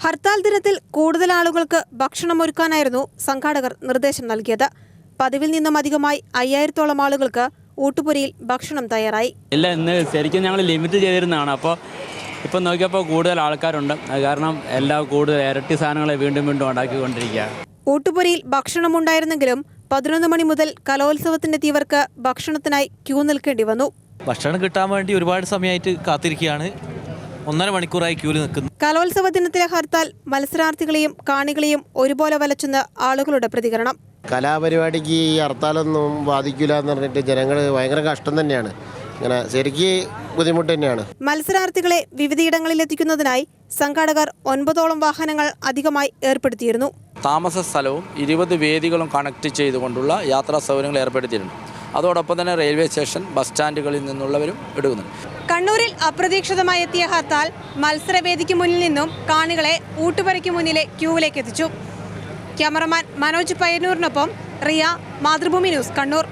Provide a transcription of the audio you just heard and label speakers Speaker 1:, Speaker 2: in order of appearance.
Speaker 1: ഹർത്താൽ ദിനത്തിൽ കൂടുതൽ ആളുകൾക്ക് ഭക്ഷണമൊരുക്കാനായിരുന്നു സംഘാടകർ നിർദ്ദേശം നൽകിയത്. പതിവിൽ നിന്നും അധികമായി 5000-ഓളം ആളുകൾക്ക് ഊട്ടുപുരയിൽ ഭക്ഷണം തയ്യാറായി.
Speaker 2: ഇല്ല, ഇന്ന് ശരിക്കും ഞങ്ങൾ ലിമിറ്റ് ചെയ്തിരുന്നതാണ്. ഇപ്പം നോക്കിയപ്പോൾ കൂടുതൽ ആൾക്കാരുണ്ട്. അത് കാരണം കൂടുതൽ ഇരട്ടി സാധനങ്ങളെ വീണ്ടും ഉണ്ടാക്കിക്കൊണ്ടിരിക്കുക.
Speaker 1: ഊട്ടുപുരയിൽ ഭക്ഷണമുണ്ടായിരുന്നെങ്കിലും 11 മണി മുതൽ കലോത്സവത്തിനെത്തിയവർക്ക് ഭക്ഷണത്തിനായി ക്യൂ നിൽക്കേണ്ടി വന്നു.
Speaker 3: ഭക്ഷണം കിട്ടാൻ വേണ്ടി ഒരുപാട് സമയമായിട്ട് കാത്തിരിക്കുകയാണ്. 1.5 മണിക്കൂറായി ക്യൂവിൽ നിൽക്കുന്നു.
Speaker 1: കലോത്സവ ദിനത്തിലെ ഹർത്താൽ മത്സരാർത്ഥികളെയും കാണികളെയും ഒരുപോലെ വലച്ചെന്ന് ആളുകളുടെ പ്രതികരണം.
Speaker 4: കലാപരിപാടിക്ക് ഈ ഹർത്താലൊന്നും ബാധിക്കില്ല എന്ന് പറഞ്ഞിട്ട് ജനങ്ങൾ ഭയങ്കര കഷ്ടം തന്നെയാണ്. ഇങ്ങനെ ശരിക്ക് ബുദ്ധിമുട്ട് തന്നെയാണ്.
Speaker 1: മത്സരാർത്ഥികളെ വിവിധയിടങ്ങളിൽ എത്തിക്കുന്നതിനായി സംഘാടകർ 9ഓളം വാഹനങ്ങൾ അധികമായി ഏർപ്പെടുത്തിയിരുന്നു.
Speaker 5: താമസ സ്ഥലവും 20 വേദികളും കണക്ട് ചെയ്തുകൊണ്ടുള്ള യാത്രാ സൗകര്യങ്ങൾ ഏർപ്പെടുത്തിയിട്ടുണ്ട്. അതോടൊപ്പം തന്നെ റെയിൽവേ സ്റ്റേഷൻ, ബസ് സ്റ്റാൻഡുകളിൽ നിന്നുള്ളവരും എടുക്കുന്നുണ്ട്.
Speaker 1: കണ്ണൂരിൽ അപ്രതീക്ഷിതമായി എത്തിയ ഹർത്താൽ മത്സരവേദിക്ക് മുന്നിൽ നിന്നും കാണികളെ ഊട്ടുപുരയ്ക്ക് മുന്നിലെ ക്യൂവിലേക്ക് എത്തിച്ചു. ക്യാമറമാൻ മനോജ് പയ്യന്നൂരിനൊപ്പം റിയ, മാതൃഭൂമി ന്യൂസ്, കണ്ണൂർ.